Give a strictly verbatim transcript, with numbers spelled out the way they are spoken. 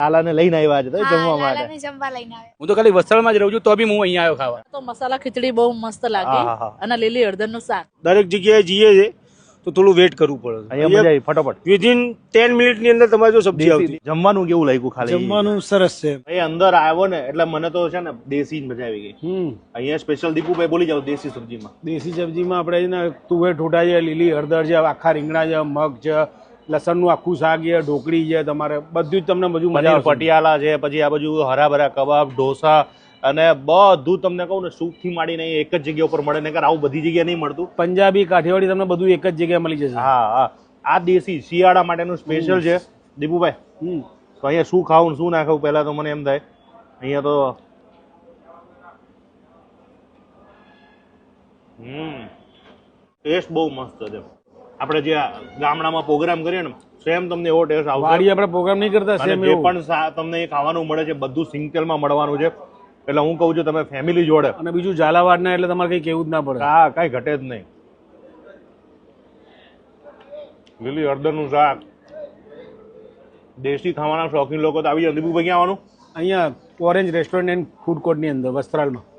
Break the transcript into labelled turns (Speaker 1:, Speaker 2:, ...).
Speaker 1: લાલાને લઈને આવ્યા છે તો જમવા માટે.
Speaker 2: લાલાને જમવા લઈને આવ્યા.
Speaker 3: હું તો ખાલી વસ્ત્રાલમાં જ રહું છું તો બી હું અહીંયા આવ્યો ખાવા.
Speaker 4: તો મસાલા ખીચડી બહુ મસ્ત લાગી અને લીલી હળદરનું શાક.
Speaker 5: દરેક જગ્યાએ જઈએ છે તો થોડું વેટ કરવું પડે.
Speaker 1: અહીંયા મજા આવી ફટાફટ
Speaker 5: વિધિન ટેન મિનિટ ની અંદર તમારે જો સબ્જી આવતી.
Speaker 1: જમવાનું કેવું લાગ્યું ખાલી?
Speaker 5: જમવાનું સરસ છે.
Speaker 1: એ અંદર આવ્યો ને એટલે મને તો છે ને દેશી મજા આવી ગઈ.
Speaker 5: હમ
Speaker 1: અહીંયા સ્પેશિયલ દીપુભાઈ બોલી જાવ દેશી સબ્જીમાં.
Speaker 5: દેશી સબ્જીમાં આપણે છે ને તુવેર ઠોટા છે, લીલી હળદર છે, આખા રીંગણા છે, મગ છે, લસણનું આખું શાક છે, ઢોકળી છે, તમારે બધું જ તમને બધું મજા
Speaker 1: પનીર પટિયાલા છે, પછી આ બાજુ હરા ભરા કબાબ, ઢોસા અને બધું તમને કહું ને સૂપ થી માંડીને એક જ જગ્યા ઉપર મળે ને આવું બધી જગ્યાએ નહીં મળતું.
Speaker 5: પંજાબી કાઠિયાવાડી તમને બધું એક જ જગ્યાએ મળી જશે.
Speaker 1: હા હા આ દેશી શિયાળા માટેનું સ્પેશિયલ છે દીપુભાઈ.
Speaker 5: હમ
Speaker 1: તો અહીંયા શું ખાવું શું ના ખાવું પહેલા તો મને એમ થાય અહીંયા તો હમ ટેસ્ટ બહુ મસ્ત છે. આપણે જે ગામડામાં પ્રોગ્રામ કરીએ ને સેમ તમને એવો ટેસ્ટ આવશે.
Speaker 5: વાડી આપણે પ્રોગ્રામ નહીં કરતા સેમ
Speaker 1: જે પણ તમને ખાવાનું મળે છે બધું સિંગતેલમાં મળવાનું છે. એટલે હું કહું છું તમે ફેમિલી જોડે
Speaker 5: અને બીજું ઝાલાવાડ ના એટલે તમારે કઈ કેવું જ ના પડે.
Speaker 1: હા કઈ ઘટે જ નહીં. લીલી હળદરનું શાક. દેશી ખાવાના શોખીન લોકો તો આવી જાય. દીપુભાઈ ક્યાં આવવાનું?
Speaker 5: અહીંયા orange restaurant and food court ની અંદર વસ્ત્રાલમાં.